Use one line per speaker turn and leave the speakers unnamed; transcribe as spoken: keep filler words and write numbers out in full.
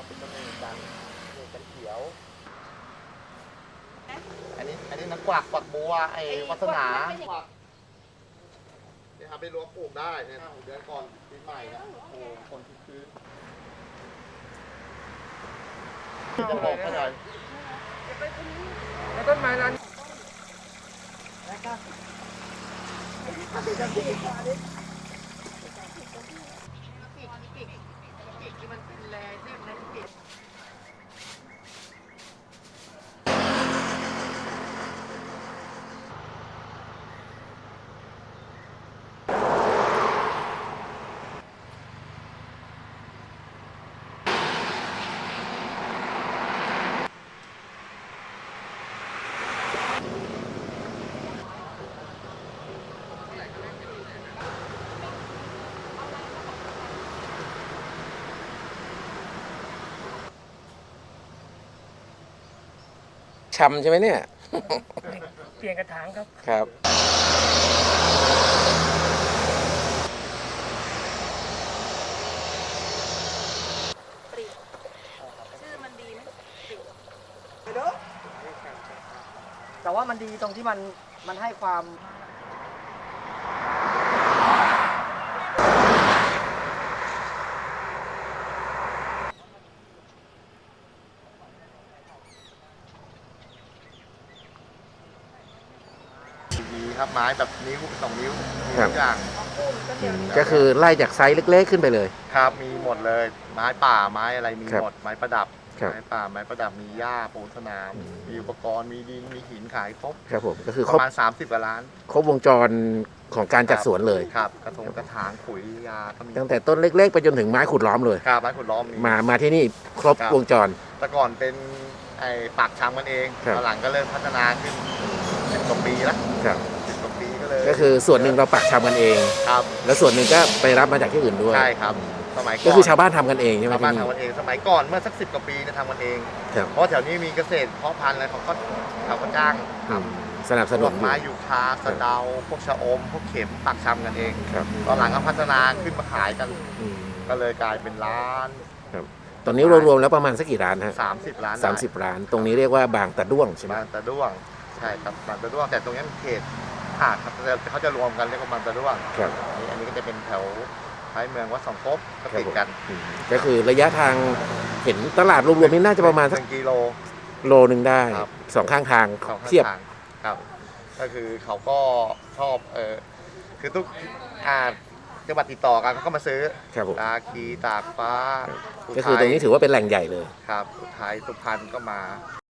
ก็มีกันมีกันเขียวอันนี้อันนี้นักกวักกวักบัวไอ้วัฒนาเนี่ยครับไปรวมปลูกได้เนี่ยเดือนก่อนปีใหม่นะโอ้คนคือจะบอกเขาหน่อย
แล้วต้นไม้ร้าน
ชำใช่ไหมเนี่ย
เปลี่ยนกระถางครับ
ครับ
ชื่อมันดีไหม
แต่ว่ามันดีตรงที่มันมันให้ความ
ดีครับไม้แบบนิ้วสองนิ้วมีทุกอย่าง
ก็คือไล่จากไซส์เล็กๆขึ้นไปเลย
ครับมีหมดเลยไม้ป่าไม้อะไรมี
ครับ
หมดไม้ประดับ
ครับ
ไม้ป่าไม้ประดับมีหญ้าปูสนาม
อืม
มีอุปกรณ์มีดินมีหินขายครบ
ครับผมก็คือ
ป
ครบ
ระมาณ สามสิบกว่าล้าน
ครบวงจรของการจัดสวนเลย
ครับกระทงกระถางปุ๋ยยาก็มี
ตั้งแต่ต้นเล็กๆ ไปจนถึงไม้ขุดล้อมเลย
ครับไม้ขุดล้อมมี
มามาที่นี่ครบ
ครับ
วงจร
แต่ก่อนเป็นไอ้ปากชำกันเอง
ครับ
ตอนหลังก็เริ่มพัฒนาขึ้นสิบกว่าปีแล้ว
ครับ
สิบกว่าปีก็เลย
ก็คือส่วนหนึ่งเราปักชำกันเอง
ครับ
แล้วส่วนหนึ่งก็ไปรับมาจากที่อื่นด้วย
ใช่ครับสมัยก่อน
ก็คือชาวบ้านทำกันเองใช่ไหม
ชาวบ้าน
ที่
ทำกันเองสมัยก่อนเมื่อสักสิบกว่าปีจะทำกันเอง
ครับ
เพราะแถวนี้มีเกษตรเพาะพันธุ์อะไรเขาก็เขาก็จ้างท
อืมสนับ
ำ
ส
พ
นุ
วน ก
อยู่
ไม้ยูคาสะเดาพวกชะอม พวกเข็มปักชำกันเอง
ครับ
ตอนหลังก็พัฒนาขึ้นมาขายกัน
อืม
ก็เลยกลายเป็นร้าน
ตอนนี้รวมๆแล้วประมาณสักกี่ร้านฮะ
สามสิบร้าน
สามสิบร้าน ตรงนี้เรียกว่าบางตะด้วงใช่ไหม
บางตะด้วงใช่ครับบางตะด้วงแต่ตรงนี้มันเขตขาดครับแต่เขาจะรวมกันเรียกว่าบางตะด้วง
ครับ
อันนี้อันนี้ก็จะเป็นแถวท้ายเมืองวัดสองภพก็ติดกัน
อืมก็คือระยะทางเห็นตลาดรวมๆนี่น่าจะประมาณ
ห
สัก
นึ่งกิโล
โลหนึ่งได้
ครับ
สองข้างทาง
เขาข้าง
เทียบ
ทางครับ ก็คือเขาก็ชอบเออคือทุกอ่าจังหวัดติดต่อกันเขาก็มาซื้อ
ครับผม
ตาคีตากฟ้า
ก็คือตรงนี้ถือว่าเป็นแหล่งใหญ่เลย
ครับอุทัยสุพรรณก็มา